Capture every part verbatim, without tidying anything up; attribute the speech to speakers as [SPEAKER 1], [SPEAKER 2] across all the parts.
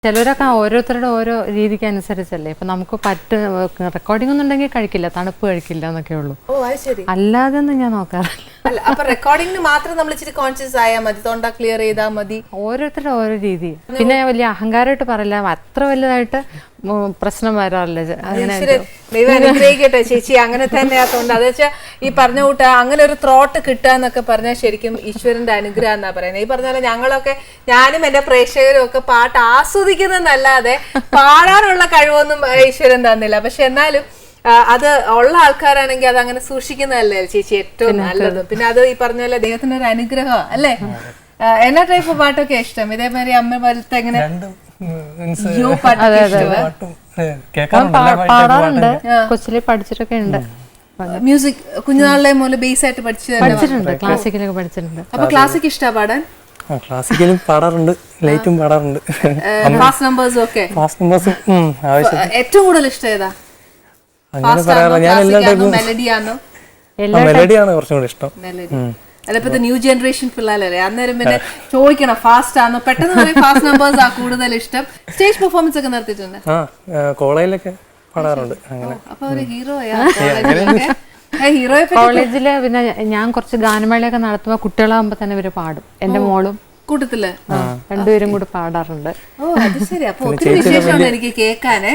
[SPEAKER 1] ചിലരൊക്കെ ഓരോരുത്തരുടെ ഓരോ രീതിക്ക് അനുസരിച്ചല്ലേ. ഇപ്പൊ നമുക്ക് പറ്റ റെക്കോർഡിംഗ് ഒന്നും ഉണ്ടെങ്കിൽ കഴിക്കില്ല, തണുപ്പ് കഴിക്കില്ല എന്നൊക്കെ ഉള്ളൂ. അല്ലാതെ ഒന്നും ഞാൻ നോക്കാറില്ല.
[SPEAKER 2] അപ്പൊ റെക്കോർഡിംഗിന് മാത്രം നമ്മൾ ഇച്ചിരി കോൺഷ്യസ് ആയാൽ മതി, തൊണ്ട ക്ലിയർ ചെയ്താൽ മതി.
[SPEAKER 1] ഓരോരുത്തരുടെ ഓരോ രീതി. പിന്നെ വലിയ അഹങ്കാരമായിട്ട് പറയില്ല, അത്ര വലുതായിട്ട് പ്രശ്നം വരാറില്ല.
[SPEAKER 2] ദൈവം അനുഗ്രഹിക്കട്ടെ ചേച്ചി, അങ്ങനെ തന്നെയാ തൊണ്ട. അത് വെച്ചാൽ ഈ പറഞ്ഞ കൂട്ട അങ്ങനെ ഒരു ത്രോട്ട് കിട്ടുക എന്നൊക്കെ പറഞ്ഞാൽ ശരിക്കും ഈശ്വരന്റെ അനുഗ്രഹം എന്നാ പറയുന്നത്. ഈ പറഞ്ഞ പോലെ ഞങ്ങളൊക്കെ, ഞാനും എന്റെ പ്രേക്ഷകരും ഒക്കെ പാട്ട് ആസ്വദിക്കുന്നതല്ലാതെ പാടാനുള്ള കഴിവൊന്നും ഈശ്വരൻ തന്നില്ല. പക്ഷെ എന്നാലും അത് ഉള്ള ആൾക്കാരാണെങ്കിൽ അത് അങ്ങനെ സൂക്ഷിക്കുന്നതല്ലേ ചേച്ചി ഏറ്റവും നല്ലത്. പിന്നെ അത് ഈ പറഞ്ഞ പോലെ ദൈവത്തിന്റെ ഒരു അനുഗ്രഹം അല്ലേ. എന്നാ ടൈപ്പ് പാട്ടൊക്കെ ഇഷ്ടം? ഇതേമാതിരി അമ്മ പോലത്തെ എങ്ങനെ
[SPEAKER 1] പാടാറുണ്ട്, കൊച്ചിലെ പഠിച്ചിട്ടൊക്കെ ഉണ്ട്.
[SPEAKER 2] മ്യൂസിക് കുഞ്ഞുനാളിലെ മുതൽ ബേസ് ആയിട്ട്
[SPEAKER 1] പഠിച്ചിട്ടുണ്ട്, ക്ലാസിക്കലൊക്കെ പഠിച്ചിട്ടുണ്ട്.
[SPEAKER 2] അപ്പൊ ക്ലാസിക് ഇഷ്ടമാണ് പാടാൻ?
[SPEAKER 3] ക്ലാസിക്കലും പാടാറുണ്ട്, ലൈറ്റും പാടാറുണ്ട്.
[SPEAKER 2] ഫാസ്റ്റ് നമ്പേഴ്സും ഒക്കെ.
[SPEAKER 3] ഫാസ്റ്റ് നമ്പേഴ്സും
[SPEAKER 2] ഏറ്റവും കൂടുതൽ ഇഷ്ടം ഏതാ?
[SPEAKER 3] അങ്ങനെ പറയാറില്ല, ഞാൻ എല്ലാ ടൈപ്പും
[SPEAKER 2] മെലഡിയാണോ?
[SPEAKER 3] മെലഡിയാണ് കുറച്ചും കൂടി ഇഷ്ടം.
[SPEAKER 2] അതിപ്പോ ന്യൂ ജനറേഷൻ പിള്ളേരല്ലേ, അന്നേരം പിന്നെ ചോദിക്കണം ഫാസ്റ്റ് ആണോ, പെട്ടെന്ന് പറയും ഫാസ്റ്റ് നമ്പേഴ്സ് ആ കൂടുതൽ ഇഷ്ടം. സ്റ്റേജ് പെർഫോമൻസ് ഒക്കെ നടത്തിയിട്ടുണ്ട്?
[SPEAKER 3] ആ കോളേജിലൊക്കെ പാടാറുണ്ട്. അങ്ങനെ
[SPEAKER 2] അപ്പൊ ഒരു ഹീറോയാ ഹീറോയെ
[SPEAKER 1] കോളേജില്. പിന്നെ ഞാൻ കുറച്ച് ഗാനമേളയൊക്കെ നടത്തുമ്പോ കുട്ടികളാകുമ്പോ തന്നെ ഇവര് പാടും. എന്റെ മോളും
[SPEAKER 2] കൂട്ടത്തില്
[SPEAKER 1] രണ്ടുപേരും കൂടി പാടാറുണ്ട്.
[SPEAKER 2] ഓ അത് ശരി. അപ്പൊ ഒത്തിരി വിശേഷമാണ് എനിക്ക് കേൾക്കാനേ.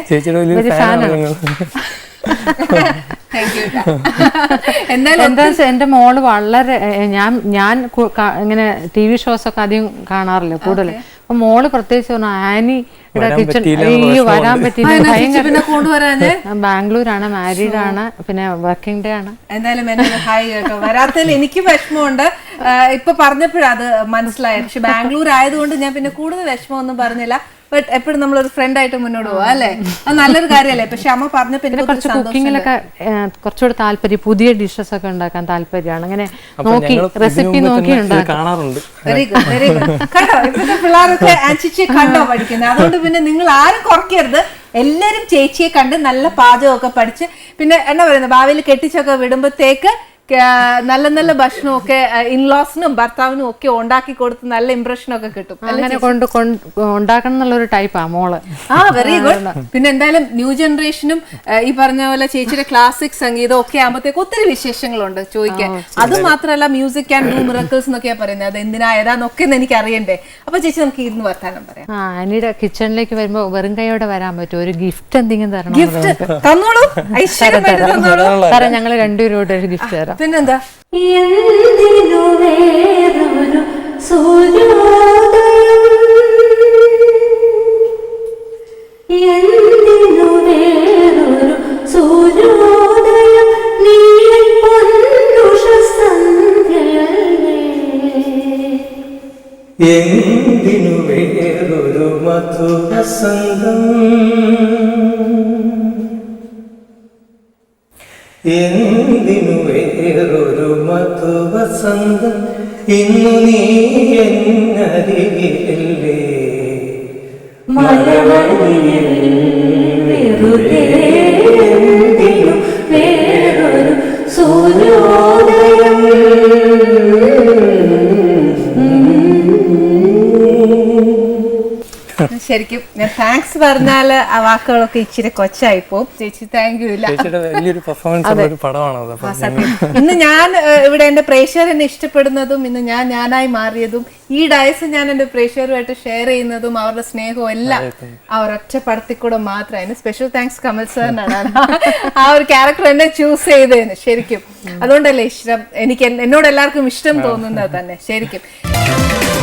[SPEAKER 1] എന്താ വെച്ചാൽ എന്റെ മോള് വളരെ, ഞാൻ ഞാൻ ഇങ്ങനെ ടി വി ഷോസ് ഒക്കെ അധികം കാണാറില്ല കൂടുതൽ. അപ്പൊ മോള് പ്രത്യേകിച്ച് പറഞ്ഞു ആനി കിച്ചൺ വരാൻ പറ്റിയില്ല, ഭയങ്കര. ബാംഗ്ലൂരാണ്, മാരീഡ് ആണ്, പിന്നെ വർക്കിംഗ് ഡേ ആണ്.
[SPEAKER 2] എന്തായാലും ഹായ് കേട്ടോ. വരാത്തതിൽ എനിക്ക് വിഷമമുണ്ട്. ഇപ്പൊ പറഞ്ഞപ്പോഴാ അത് മനസ്സിലായത്. പക്ഷെ ബാംഗ്ലൂർ ആയതുകൊണ്ട് ഞാൻ പിന്നെ കൂടുതൽ വിഷമമൊന്നും പറഞ്ഞില്ല. ബട്ട് എപ്പോഴും നമ്മളൊരു ഫ്രണ്ട് ആയിട്ട് മുന്നോട്ട് പോവാ അല്ലേ, അത് നല്ലൊരു കാര്യമല്ലേ. പക്ഷെ അമ്മ പറഞ്ഞപ്പോ
[SPEAKER 1] കുറച്ച് കുക്കിങ്ങിലൊക്കെ കുറച്ചുകൂടി താല്പര്യം, പുതിയ ഡിഷസ് ഒക്കെ ഉണ്ടാക്കാൻ താല്പര്യമാണ്. അങ്ങനെ നോക്കി റെസിപ്പി നോക്കി
[SPEAKER 3] കാണാറുണ്ട്.
[SPEAKER 2] Very good very good. കണ്ടോ ഇപ്പോഴത്തെ പിള്ളേരൊക്കെ ചേച്ചിയെ കണ്ടോ പഠിക്കുന്നത്. അതുകൊണ്ട് പിന്നെ നിങ്ങൾ ആരും കുറയ്ക്കരുത്, എല്ലാരും ചേച്ചിയെ കണ്ട് നല്ല പാചകമൊക്കെ പഠിച്ച് പിന്നെ എന്നാ പറയുന്നത് ഭാവിയിൽ കെട്ടിച്ചൊക്കെ വിടുമ്പോഴത്തേക്ക് നല്ല നല്ല ഭക്ഷണമൊക്കെ ഇൻലോസിനും ഭർത്താവിനും ഒക്കെ ഉണ്ടാക്കി കൊടുത്ത് നല്ല ഇംപ്രഷനൊക്കെ കിട്ടും.
[SPEAKER 1] അങ്ങനെ കൊണ്ട് ഉണ്ടാക്കണം എന്നുള്ളൊരു ടൈപ്പാ മോള്.
[SPEAKER 2] ആ വെരി ഗുഡ്. പിന്നെ എന്തായാലും ന്യൂ ജനറേഷനും ഈ പറഞ്ഞ പോലെ ചേച്ചിയുടെ ക്ലാസിക് സംഗീതം ഒക്കെ ആകുമ്പോഴത്തേക്ക് ഒത്തിരി വിശേഷങ്ങളുണ്ട് ചോദിക്കാൻ. അത് മാത്രമല്ല മ്യൂസിക് ആൻഡ് ഡു മിറക്കിൾസ് എന്നൊക്കെയാ പറയുന്നത്. അത് എന്തിനാ ഏതാന്നൊക്കെ എനിക്ക് അറിയണ്ടേ. അപ്പൊ ചേച്ചി നമുക്ക് ഇരുന്ന് വർത്താനം പറയാം.
[SPEAKER 1] ആ ആനിയുടെ കിച്ചണിലേക്ക് വരുമ്പോ വെറും കൈയോടെ വരാൻ പറ്റും, ഒരു ഗിഫ്റ്റ് എന്തെങ്കിലും തരണം.
[SPEAKER 2] ഗിഫ്റ്റ് തന്നോളൂ, ഐശ്വര്യമായിട്ട് തന്നോളൂ.
[SPEAKER 1] കാരണം ഞങ്ങള് രണ്ടുപേരോട് ഒരു ഗിഫ്റ്റ് തരാം.
[SPEAKER 2] പിന്നെന്താ?
[SPEAKER 4] എന്തിനു വേറൊരു സൂര്യോദയം, എന്തിനു വേറൊരു സൂര്യോദയം, നീ പൊന്നുഷ സന്ധ്യയല്ലേ,
[SPEAKER 3] എന്തിനു വേറൊരു മധുരസംഗം, എന്തിനു വേറൊരു മധുവസന്തം, ഇന്നു നീ എന്നരികിലല്ലേ,
[SPEAKER 4] മലവഴിയിൽ വെറുതെ എന്തിനു വേറൊരു സൂര്യോദയം.
[SPEAKER 2] ശരിക്കും ഞാൻ താങ്ക്സ് പറഞ്ഞാല് ആ വാക്കുകളൊക്കെ ഇച്ചിരി കൊച്ചായിപ്പോ. ചേച്ചി താങ്ക് യു. ഇല്ല ഇന്ന് ഞാൻ ഇവിടെ എന്റെ പ്രേക്ഷകരെന്നെ ഇഷ്ടപ്പെടുന്നതും ഇന്ന് ഞാൻ ഞാനായി മാറിയതും ഈ ഡയസ് ഞാൻ എന്റെ പ്രേക്ഷകരുമായിട്ട് ഷെയർ ചെയ്യുന്നതും അവരുടെ സ്നേഹവും എല്ലാം ആ ഒരൊറ്റ പടത്തിൽ കൂടെ മാത്രമായിരുന്നു. സ്പെഷ്യൽ താങ്ക്സ് കമൽ സാറിനാണ് ആ ഒരു ക്യാരക്ടർ എന്നെ ചൂസ് ചെയ്തതിന്. ശരിക്കും അതുകൊണ്ടല്ലേ ഇഷ്ടം, എനിക്ക് എന്നോട് എല്ലാവർക്കും ഇഷ്ടം തോന്നുന്നത് തന്നെ ശരിക്കും.